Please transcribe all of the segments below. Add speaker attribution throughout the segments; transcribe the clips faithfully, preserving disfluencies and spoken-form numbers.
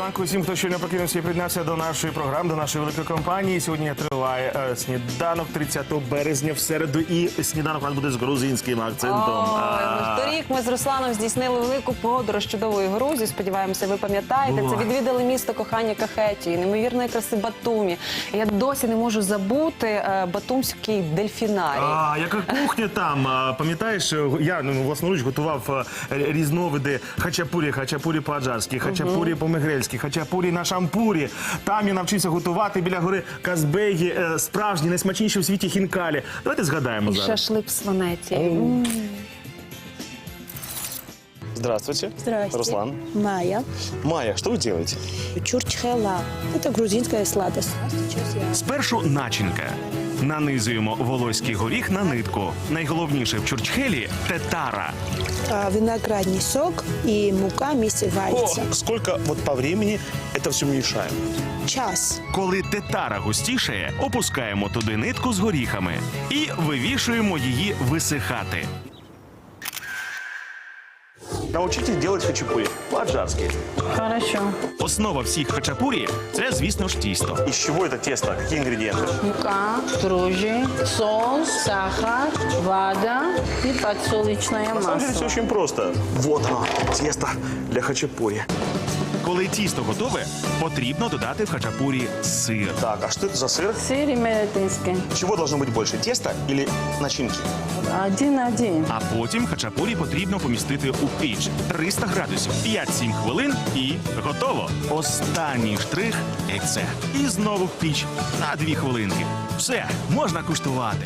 Speaker 1: ранку усім, хто щойно прокинувся і приєднався до нашої програми, до нашої великої компанії. Сьогодні триває е, сніданок тридцятого березня в середу, і сніданок у нас буде з грузинським акцентом.
Speaker 2: Ой, торік ми з Русланом здійснили велику подорож чудової Грузії. Сподіваємося, ви пам'ятаєте. Це відвідали місто кохання Кахетії, неймовірної краси Батумі. І я досі не можу забути е, батумський дельфінарій.
Speaker 1: А, яка кухня там? А, пам'ятаєш, я ну, власноруч готував е, різновиди хачапурі, хачапурі по-аджарськи, хачапурі по-мегрельськи, хачапурі на шампурі. Там я навчився готувати біля гори Казбегі е, справжні, найсмачніші в світі хінкалі. Давайте згадаємо
Speaker 2: І
Speaker 1: зараз.
Speaker 2: шашлик в сванеті.
Speaker 3: Здравствуйте.
Speaker 4: Здрасте.
Speaker 3: Руслан.
Speaker 4: Майя.
Speaker 3: Майя, что вы делаете?
Speaker 4: Чурчхела. Это грузинская сладость. Сейчас я...
Speaker 1: Спершу начинка. Нанизуємо волоський горіх на нитку. Найголовніше в чурчхелі – тетара.
Speaker 4: А, виноградный сок и мука вместе варится.
Speaker 3: О, сколько вот по времени это все мешаем?
Speaker 4: Час.
Speaker 1: Коли тетара густішає, опускаємо туди нитку з горіхами і вивішуємо її висихати.
Speaker 3: Научитесь делать хачапури по-аджарски.
Speaker 2: Хорошо.
Speaker 1: Основа всіх хачапурі – це, звісно ж, тісто.
Speaker 3: Из чего это тесто? Какие ингредиенты?
Speaker 5: Мука, дрожжи, соус, сахар, вода и подсолнечное
Speaker 3: На самом деле все
Speaker 5: масло.
Speaker 3: очень просто. Вот оно, тесто для хачапури.
Speaker 1: Коли тісто готове, потрібно додати в хачапурі сир.
Speaker 3: Так, а что это за сыр?
Speaker 5: Сыр имеретинский.
Speaker 3: Чего должно быть больше, теста или начинки?
Speaker 5: Один-один.
Speaker 1: А потім хачапурі потрібно помістити у піч. триста градусів, п'ять-сім хвилин і готово. Останній штрих – яйце. І знову в піч на дві хвилинки. Все, можна куштувати.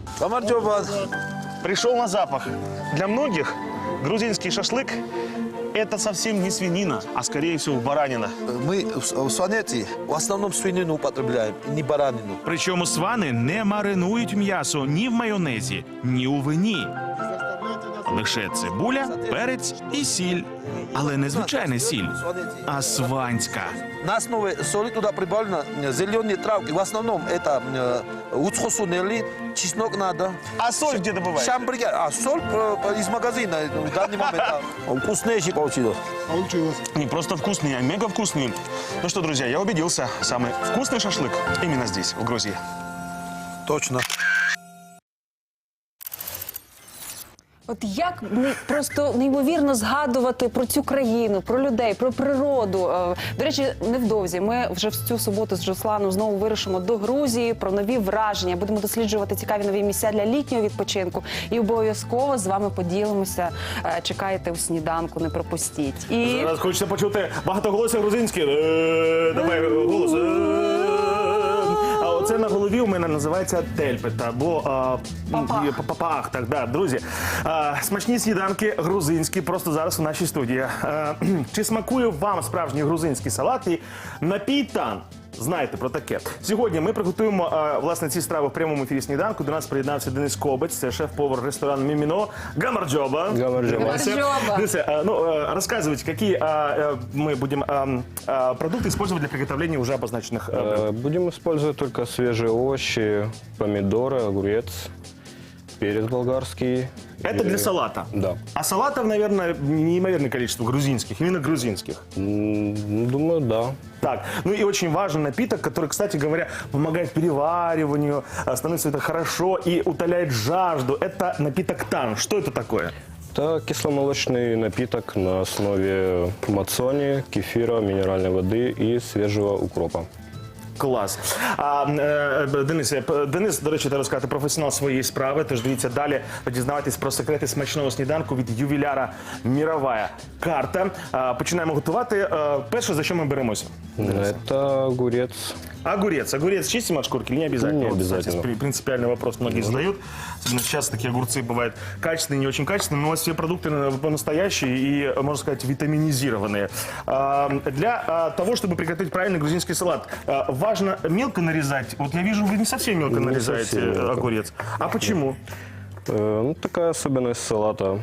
Speaker 3: Пришел на запах. Для многих грузинский шашлык – это совсем не свинина, а скорее всего баранина.
Speaker 6: Мы в в сванете в основном свинину употребляем, не баранину.
Speaker 1: Причому свани не маринують м'ясо ні в майонезі, ні у вині. Лише цибуля, перець і сіль. Але не звичайна сіль, а сванська.
Speaker 6: На основе соли туда прибавлено э, зеленые травки. В основном это э, уцхосунели, чеснок надо.
Speaker 3: А соль где добываете?
Speaker 6: Шамбригер. А соль э, э, из магазина э, в данный момент. а, Вкуснейший получилось.
Speaker 3: Не просто вкусный, а мега вкусный. Ну что, друзья, я убедился, самый вкусный шашлык именно здесь, в Грузии.
Speaker 6: Точно.
Speaker 2: От як ну, просто неймовірно згадувати про цю країну, про людей, про природу. Е, До речі, невдовзі ми вже в цю суботу з Русланом знову вирушимо до Грузії про нові враження. Будемо досліджувати цікаві нові місця для літнього відпочинку. І обов'язково з вами поділимося. Е, Чекайте у сніданку, не пропустіть. І
Speaker 1: Зараз хочеться почути багатоголосся грузинське. Е, Давай голос. Е, А оце на голові у мене називається тельпет або а,
Speaker 2: Папах.
Speaker 1: є, папах. Так, да, друзі. А, смачні сніданки грузинські просто зараз у нашій студії. А, чи смакує вам справжній грузинський салат і напій тан? Знаєте про таке. Сьогодні ми приготуємо а, власне ці страви в прямому ефірі сніданку. До нас приєднався Денис Кобець, це шеф-повар ресторану Міміно. Гамарджоба.
Speaker 2: Гамарджоба.
Speaker 1: Денис, а, ну, а, рассказывайте, какие а, а, мы будем а, а, продукты использовать для приготовления уже обозначенных а, блюд?
Speaker 7: Э, Будем использовать только свежие овощи, помидоры, огурец, перец болгарский.
Speaker 1: Это
Speaker 7: и-
Speaker 1: для салата?
Speaker 7: Да.
Speaker 1: А салатов, наверное, неимоверное количество грузинских, именно грузинских.
Speaker 7: М, Думаю, да.
Speaker 1: Так, ну и очень важный напиток, который, кстати говоря, помогает перевариванию, а, становится это хорошо и утоляет жажду. Это напиток тан. Что это такое?
Speaker 7: Это кисломолочный напиток на основе мацони, кефира, минеральной воды и свежего укропа.
Speaker 1: Клас. А, е, Денис, е, п- Денис, до речі, треба сказати, професіонал своєї справи, тож дивіться далі, дізнавайтесь про секрети смачного сніданку від ювіляра «Мірова карта». А, починаємо готувати. А, перше, за що ми беремося?
Speaker 7: Это огурец.
Speaker 1: Огурец. Огурец чистим от шкурки или не обязательно?
Speaker 7: Не
Speaker 1: Вот, кстати,
Speaker 7: обязательно.
Speaker 1: при- принципиальный вопрос многие задают. Особенно сейчас такие огурцы бывают качественные, не очень качественные, но у вас все продукты э, по-настоящие и, э, можно сказать, витаминизированные. А, Для а, того, чтобы приготовить правильный грузинский салат, а, важно мелко нарезать. Вот я вижу, вы не совсем мелко
Speaker 7: Не
Speaker 1: нарезаете
Speaker 7: совсем
Speaker 1: э,
Speaker 7: мелко.
Speaker 1: огурец. А почему?
Speaker 7: Э, Ну, такая особенность салата.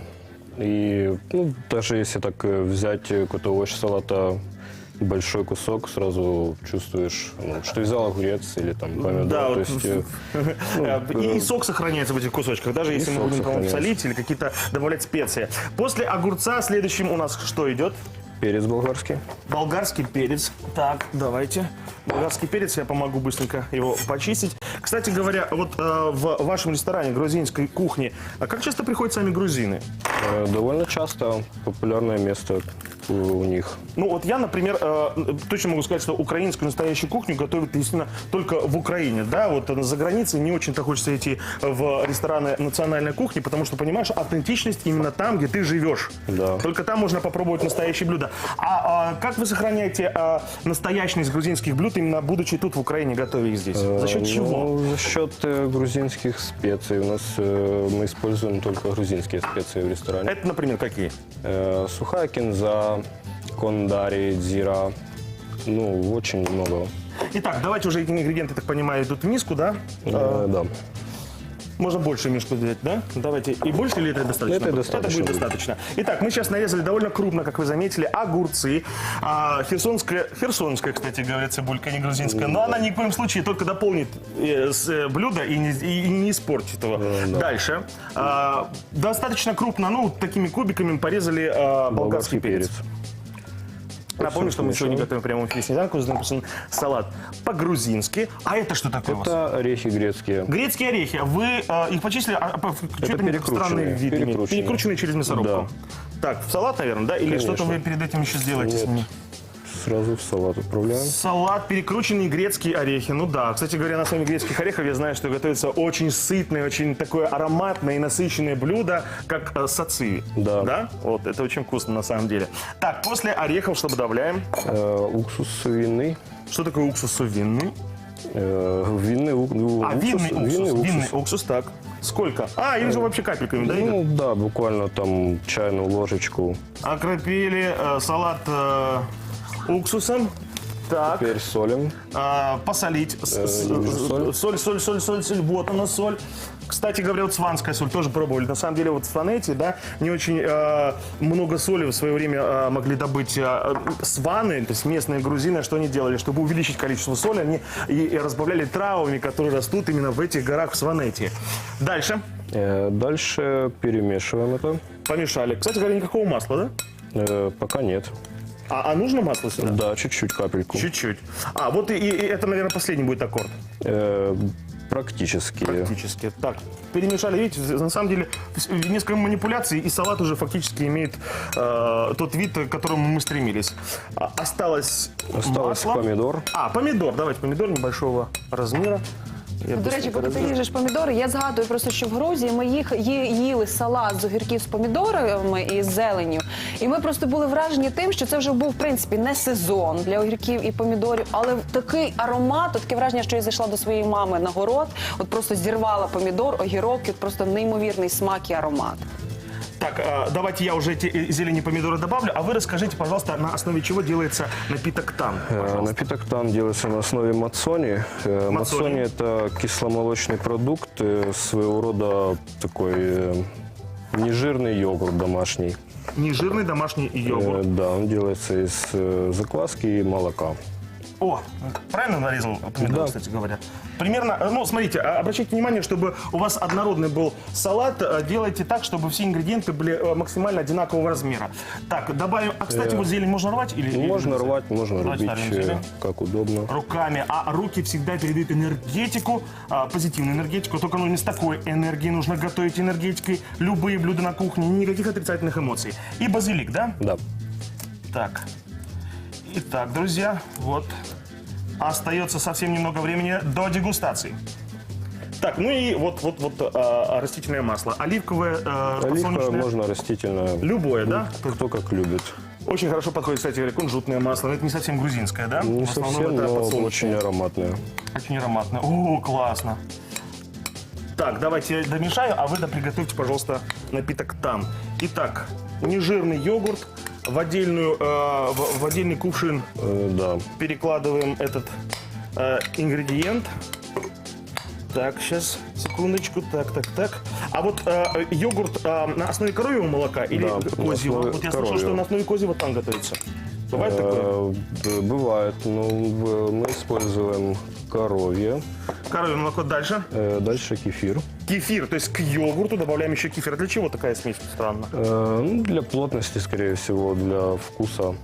Speaker 7: И ну, даже если так э, взять э, какой-то овощ салата, большой кусок, сразу чувствуешь, ну, что взял огурец или там помидор.
Speaker 1: Да,
Speaker 7: то
Speaker 1: вот,
Speaker 7: есть, э, ну,
Speaker 1: и, и
Speaker 7: э,
Speaker 1: сок сохраняется в этих кусочках, даже если мы
Speaker 7: сок
Speaker 1: будем, по-моему,
Speaker 7: сохраняется.
Speaker 1: солить или какие-то добавлять специи. После огурца следующим у нас что идет?
Speaker 7: перец болгарский.
Speaker 1: Болгарский перец. Так, давайте. Болгарский перец, я помогу быстренько его почистить. Кстати говоря, вот э, в вашем ресторане грузинской кухни, а как часто приходят сами грузины?
Speaker 7: Э, Довольно часто популярное место у у них.
Speaker 1: Ну вот я, например, э, точно могу сказать, что украинскую настоящую кухню готовят, естественно, только в Украине. Да, вот э, за границей не очень-то хочется идти в рестораны национальной кухни, потому что, понимаешь, аутентичность именно там, где ты живешь.
Speaker 7: Да.
Speaker 1: Только там можно попробовать настоящие блюда. А, а как вы сохраняете а, настоящность грузинских блюд, именно будучи тут в Украине, готовя их здесь? За счет
Speaker 7: Э,
Speaker 1: чего?
Speaker 7: ну, за счет э, грузинских специй. У нас э, мы используем только грузинские специи в ресторане.
Speaker 1: Это, например, какие?
Speaker 7: Э, сухая кинза, кондари, дзира. Ну, очень много.
Speaker 1: Итак, давайте уже эти ингредиенты, так понимаю, идут в миску, да?
Speaker 7: Э, да.
Speaker 1: Можно больше мешку взять, да? Давайте. И больше или это достаточно?
Speaker 7: Это достаточно
Speaker 1: Это будет
Speaker 7: будет.
Speaker 1: достаточно. Итак, мы сейчас нарезали довольно крупно, как вы заметили, огурцы. А, херсонская, херсонская, кстати говоря, цибулька, не грузинская. Но она ни в коем случае только дополнит э, с, э, блюдо и не, и не испортит его.
Speaker 7: да.
Speaker 1: Дальше. А, достаточно крупно, ну, такими кубиками порезали а, болгарский,
Speaker 7: Болгарский
Speaker 1: перец.
Speaker 7: перец.
Speaker 1: Напомню, что мы сегодня готовим прямо в эфире снеданку. Здесь написан салат по-грузински. А это что такое у вас?
Speaker 7: Это орехи грецкие.
Speaker 1: Грецкие орехи. Вы э, их почислили, а, а, что это
Speaker 7: перекрученные,
Speaker 1: странный вид имеет?
Speaker 7: перекрученные.
Speaker 1: Перекрученные через мясорубку. Так, в салат, наверное, да? Или
Speaker 7: Конечно.
Speaker 1: что-то вы перед этим еще сделаете с
Speaker 7: Нет.
Speaker 1: ними?
Speaker 7: Сразу в салат отправляем.
Speaker 1: Салат, перекрученные грецкие орехи. Ну да, кстати говоря, на основе грецких орехов я знаю, что готовится очень сытное, очень такое ароматное и насыщенное блюдо, как э, сациви.
Speaker 7: Да.
Speaker 1: Да? Вот, это очень вкусно на самом деле. Так, после орехов что добавляем?
Speaker 7: Э, уксус винный.
Speaker 1: Что такое уксус винный?
Speaker 7: Э, винный, ук- ну,
Speaker 1: А,
Speaker 7: уксус,
Speaker 1: винный уксус.
Speaker 7: винный уксус.
Speaker 1: Винный уксус, так. Сколько? А, или же вообще капельками, да, идет?
Speaker 7: Ну да, буквально там чайную ложечку.
Speaker 1: Окропили э, салат э, уксусом. Так,
Speaker 7: Теперь солим.
Speaker 1: э, посолить. С-
Speaker 7: Э,
Speaker 1: с-
Speaker 7: не соль.
Speaker 1: соль, соль, соль, соль, соль. Вот она соль. Кстати говоря, вот сванская соль тоже пробовали. На самом деле, вот в Сванете, да, не очень э, много соли в свое время э, могли добыть э, сваны, то есть местные грузины. Что они делали? Чтобы увеличить количество соли, они и, и разбавляли травами, которые растут именно в этих горах в Сванете. Дальше.
Speaker 7: Э, дальше перемешиваем это.
Speaker 1: Помешали. Кстати говоря, никакого масла, да?
Speaker 7: Э, пока нет.
Speaker 1: А, а нужно масло сюда?
Speaker 7: Да, чуть-чуть капельку.
Speaker 1: Чуть-чуть. А, вот и, и это, наверное, последний будет аккорд.
Speaker 7: Э, практически.
Speaker 1: Практически. Так, перемешали. Видите, на самом деле, в- несколько манипуляций, и салат уже фактически имеет э, тот вид, к которому мы стремились. А, осталось
Speaker 7: Осталось
Speaker 1: масло.
Speaker 7: помидор.
Speaker 1: А, помидор. Давайте помидор небольшого размера. Я
Speaker 2: До речі,
Speaker 1: быстренько
Speaker 2: поки ти
Speaker 1: разрежу.
Speaker 2: ріжеш помідори, я згадую просто, що в Грузії ми їх ї- їли салат з огірків з помідорами і з зеленню. І ми просто були вражені тим, що це вже був, в принципі, не сезон для огірків і помідорів, але такий аромат, от таке враження, що я зайшла до своєї мами на город, от просто зірвала помідор, огірок, і от просто неймовірний смак і аромат.
Speaker 1: Так, э, давайте я уже эти э, зелени помидоры добавлю, а вы расскажите, пожалуйста, на основе чего делается напиток тан.
Speaker 7: Э,
Speaker 1: пожалуйста.
Speaker 7: Напиток тан делается на основе мацони. Э,
Speaker 1: Мацони.
Speaker 7: Мацони – это кисломолочный продукт, э, своего рода такой э, нежирный йогурт домашний.
Speaker 1: Нежирный домашний
Speaker 7: Э,
Speaker 1: йогурт.
Speaker 7: Да, он делается из э, закваски и молока.
Speaker 1: О, правильно нарезал помидор,
Speaker 7: Да.
Speaker 1: кстати говоря? Примерно, э, ну, смотрите, а- обращайте внимание, чтобы у вас однородный был салат, э, делайте так, чтобы все ингредиенты были э, максимально одинакового размера. Так, добавим, а, кстати, вот зелень можно рвать? Или, или
Speaker 7: Можно
Speaker 1: нельзя?
Speaker 7: рвать, можно
Speaker 1: Давайте
Speaker 7: рубить,
Speaker 1: ставим
Speaker 7: э,
Speaker 1: зелень.
Speaker 7: как удобно.
Speaker 1: Руками, а руки всегда передают энергетику, а, позитивную энергетику, только ну, не с такой энергией нужно готовить энергетикой любые блюда на кухне, никаких отрицательных эмоций. И базилик, да?
Speaker 7: Да.
Speaker 1: Так. Итак, друзья, вот. Остается совсем немного времени до дегустации. Так, ну и вот, вот, вот а, растительное масло. Оливковое, а,
Speaker 7: Оливковое
Speaker 1: подсолнечное.
Speaker 7: можно растительное.
Speaker 1: Любое, да?
Speaker 7: Кто как любит.
Speaker 1: Очень хорошо подходит, кстати говоря, кунжутное масло. Но это не совсем грузинское, да?
Speaker 7: Не
Speaker 1: В основном
Speaker 7: совсем,
Speaker 1: это
Speaker 7: но
Speaker 1: подсолнечное.
Speaker 7: очень ароматное.
Speaker 1: Очень ароматно. О, классно. Так, давайте я домешаю, а вы приготовьте, пожалуйста, напиток тан. Итак, нежирный йогурт в, отдельную, э, в, в отдельный кувшин
Speaker 7: Э, да.
Speaker 1: перекладываем этот э, ингредиент. Так, сейчас, секундочку, так, так, так. А вот э, йогурт э, на основе коровьего молока или
Speaker 7: Да, на
Speaker 1: козьего?
Speaker 7: основе
Speaker 1: Вот я слышал,
Speaker 7: коровьего.
Speaker 1: что на основе козьего тан готовится. Бывает такое?
Speaker 7: Э, д- Бывает. Ну, в- мы используем коровье.
Speaker 1: Коровье молоко дальше.
Speaker 7: Э, Дальше кефир.
Speaker 1: Кефир, то есть к йогурту добавляем еще кефир. А для чего такая смесь странно?
Speaker 7: Э, ну, Для плотности, скорее всего, для вкуса.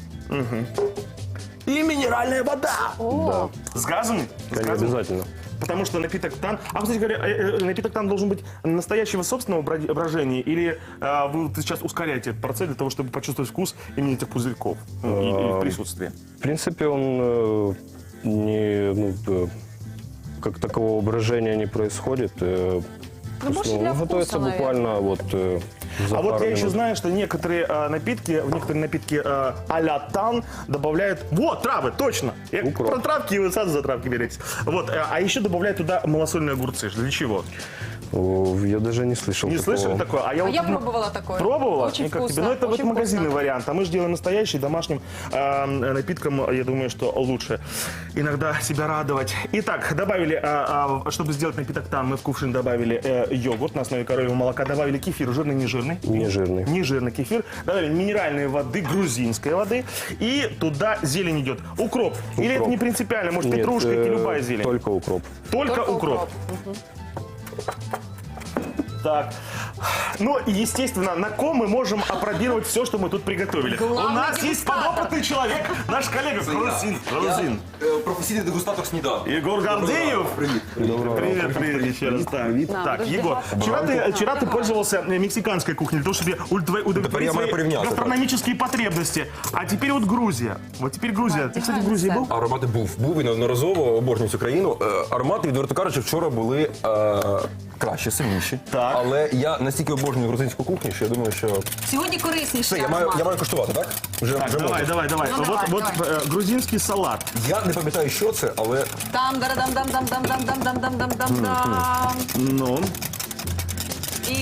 Speaker 1: И минеральная вода.
Speaker 2: О,
Speaker 1: С газами? С
Speaker 7: Конечно,
Speaker 1: газом?
Speaker 7: обязательно.
Speaker 1: Потому что напиток тан... А, кстати говоря, э, э, напиток тан должен быть настоящего собственного бра- брожения? Или э, вы вот сейчас ускоряете этот процесс для того, чтобы почувствовать вкус именно этих пузырьков ну, и, и присутствие?
Speaker 7: В принципе, он э, не, ну, э, как такового брожения не происходит. э,
Speaker 2: Ну,
Speaker 7: просто,
Speaker 2: больше для
Speaker 7: он
Speaker 2: вкуса,
Speaker 7: готовится
Speaker 2: наверное.
Speaker 7: буквально вот э, за
Speaker 1: А вот
Speaker 7: пару
Speaker 1: я еще
Speaker 7: минут.
Speaker 1: знаю, что некоторые э, напитки, в некоторые напитки э, а-ля тан добавляют... Вот, травы, точно! Я
Speaker 7: Укроп.
Speaker 1: про травки, вы сразу за травки беретесь. Вот, э, а еще добавляют туда малосольные огурцы. Для чего?
Speaker 7: О, я даже не слышал
Speaker 1: Не
Speaker 7: такого.
Speaker 1: слышали такое? А я,
Speaker 2: а
Speaker 1: вот
Speaker 2: я
Speaker 1: тут, ну,
Speaker 2: пробовала такое.
Speaker 1: Пробовала?
Speaker 2: Очень
Speaker 1: И как
Speaker 2: вкусно.
Speaker 1: тебе? Ну, это вот
Speaker 2: очень
Speaker 1: магазинный
Speaker 2: вкусно.
Speaker 1: вариант. А мы же делаем настоящий, домашним э, напитком, я думаю, что лучше иногда себя радовать. Итак, добавили, э, э, чтобы сделать напиток тан, мы в кувшин добавили э, йогурт на основе коровьего молока, добавили кефир, жирный, не жирный?
Speaker 7: Не жирный.
Speaker 1: Не жирный кефир. Добавили минеральной воды, грузинской воды. И туда зелень идет. Укроп. Или это
Speaker 7: Укроп.
Speaker 1: не принципиально? Может,
Speaker 7: Нет,
Speaker 1: петрушка или
Speaker 7: э,
Speaker 1: любая зелень?
Speaker 7: Только укроп.
Speaker 1: Только,
Speaker 2: Только
Speaker 1: укроп.
Speaker 2: укроп.
Speaker 1: Так. Ну, и, естественно, на ком мы можем опробировать все, что мы тут приготовили.
Speaker 2: Главный
Speaker 1: У нас есть
Speaker 2: дегустатор.
Speaker 1: подопытный человек, наш коллега Грузин. Грузин.
Speaker 8: Професійний дегустатор сніданку.
Speaker 1: Егор Гордеев.
Speaker 8: Привіт.
Speaker 1: Привет, привет еще раз. Так,
Speaker 2: Да,
Speaker 1: так
Speaker 2: подожди,
Speaker 1: Егор,
Speaker 2: ладно.
Speaker 1: вчера ты, вчера ты пользовался э, мексиканской кухней для того, чтобы удовлетворить
Speaker 8: Тепер я маю
Speaker 1: свои
Speaker 8: порівняти,
Speaker 1: гастрономические потребности. А теперь вот Грузия. Вот теперь Грузия. Ты, кстати, в Грузии был?
Speaker 8: Аромати був. Був і неодноразово, обожнюю цю країну. Е, Аромати, відверто кажучи, вчора були е, кращі, сильніші.
Speaker 1: Так.
Speaker 8: Але я настільки обожнюю грузинську кухню, що я думаю, що...
Speaker 2: Сьогодні корисніше.
Speaker 8: Все, я маю, я маю коштувати, так? Вже,
Speaker 1: Так,
Speaker 8: вже
Speaker 1: давай,
Speaker 8: можна.
Speaker 1: давай, давай.
Speaker 2: Ну,
Speaker 1: вот
Speaker 2: давай,
Speaker 1: вот
Speaker 2: давай.
Speaker 1: э, грузинский салат.
Speaker 8: Я не пам'ятаю, що це, але
Speaker 2: Там дам дам дам дам дам дам дам дам дам дам дам.
Speaker 1: Ну.
Speaker 2: І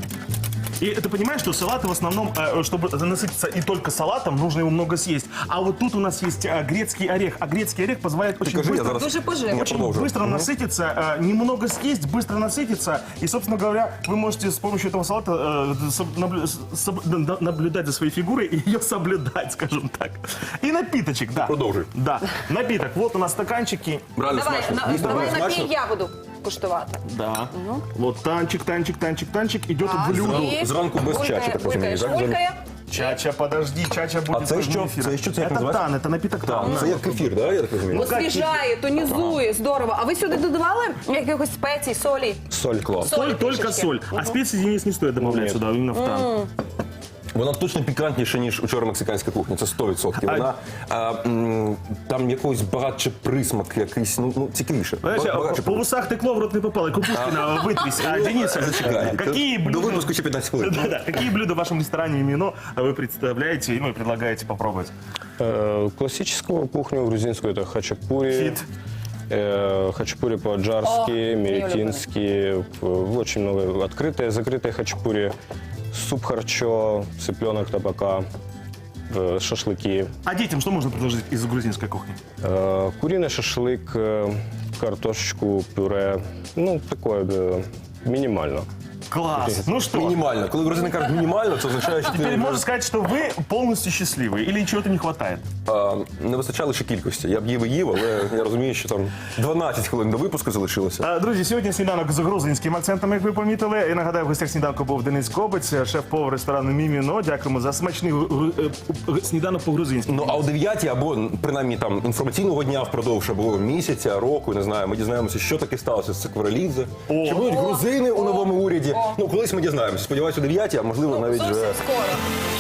Speaker 1: И ты понимаешь, что салаты в основном, э, чтобы насытиться и только салатом, нужно его много съесть. А вот тут у нас есть э, грецкий орех. А грецкий орех позволяет очень
Speaker 8: кажи, я
Speaker 1: быстро,
Speaker 8: зараз-
Speaker 2: дуже поживно.
Speaker 8: Я
Speaker 1: очень
Speaker 8: продовжу.
Speaker 1: быстро насытиться, э, немного съесть, быстро насытиться. И, собственно говоря, вы можете с помощью этого салата э, соб- наблю- соб- на- наблюдать за своей фигурой и ее соблюдать, скажем так. И напиточек, да.
Speaker 8: Продолжи.
Speaker 1: Да, напиток. Вот у нас стаканчики.
Speaker 8: реально
Speaker 2: давай,
Speaker 8: смачно.
Speaker 2: на-
Speaker 8: Дійсно,
Speaker 2: давай
Speaker 8: дуже смачно.
Speaker 2: напій я буду куштувати.
Speaker 1: Да. Вот танчик, танчик, танчик, танчик идет
Speaker 2: Так,
Speaker 1: в блюдо.
Speaker 2: і
Speaker 8: Зранку без
Speaker 2: булькає,
Speaker 8: чачі, так
Speaker 2: булькає,
Speaker 8: розумію, так?
Speaker 2: булькає.
Speaker 1: Чача, подожди, чача будет.
Speaker 8: А це
Speaker 1: тоже
Speaker 8: що?
Speaker 1: эфир.
Speaker 8: Це що? Це як
Speaker 1: Это
Speaker 8: називається?
Speaker 1: тан, это напиток тан.
Speaker 8: Це як кефір, да, я так розумію?
Speaker 2: Освіжає, тонізує, здорово. А ви сюди додавали якихось спецій, солі?
Speaker 8: Соль клас.
Speaker 1: Соль,
Speaker 2: Соли
Speaker 1: только
Speaker 2: трішечки.
Speaker 1: соль. А специи, Денис, не стоит добавлять
Speaker 7: Нет.
Speaker 1: сюда, именно в тан.
Speaker 8: Вона точно пікантніша, ніж учора мексиканська кухня, це сто відсотків. Вона а, м, там якийсь багатше присмак, якийсь, ну, ну цікавіше.
Speaker 1: Знаешь,
Speaker 8: Ба-
Speaker 1: а
Speaker 8: багатше
Speaker 1: по усах ты клов в рот не попал, и Кукушкина вытрись. А, Денис,
Speaker 8: Чекай,
Speaker 1: какие
Speaker 8: До
Speaker 1: блюда...
Speaker 8: випуску ще п'ятнадцять хвилин.
Speaker 1: Да-да, какие блюда в вашем ресторане именно вы представляете ну, и предлагаете попробовать?
Speaker 7: Э, Классическую кухню грузинскую это хачапури.
Speaker 1: Фит.
Speaker 7: э, Хачапури по-аджарски,
Speaker 2: О,
Speaker 7: меретинские, э, очень много открытые, закрытые хачапури, суп харчо, цыпленок табака, э, шашлыки,
Speaker 1: А детям что можно предложить из грузинской кухни?
Speaker 7: э, куриный шашлык, э, картошечку, пюре, ну такое э, минимально.
Speaker 1: Класс. Ну что,
Speaker 8: Мінімально. Коли грузини кажуть мінімально, це означає, що
Speaker 1: теперь
Speaker 8: ти
Speaker 1: можно сказать, что вы полностью счастливы или чего-то не хватает?
Speaker 8: а, не вистачало ще кількості. Я б їв і їв, але я розумію, що там дванадцять хвилин до випуску залишилося.
Speaker 1: А, Друзі, сьогодні сніданок з грузинським акцентом, як ви помітили. І нагадаю, в гостях сніданку був Денис Кобець, шеф-повар ресторану Міміно. Дякуємо за смачний гру- е, е, сніданок по-грузинськи.
Speaker 8: Ну а о дев'ятій або принаймні там інформаційного дня впродовж або місяця, року, не знаю, ми дізнаємося, що таке сталося з Цикварелідзе. Чи будуть грузини у новому уряді? Ну колись ми дізнаємося. Сподіваюся, о дев'ятій, а можливо навіть
Speaker 2: Зовсім
Speaker 8: вже
Speaker 2: скоро.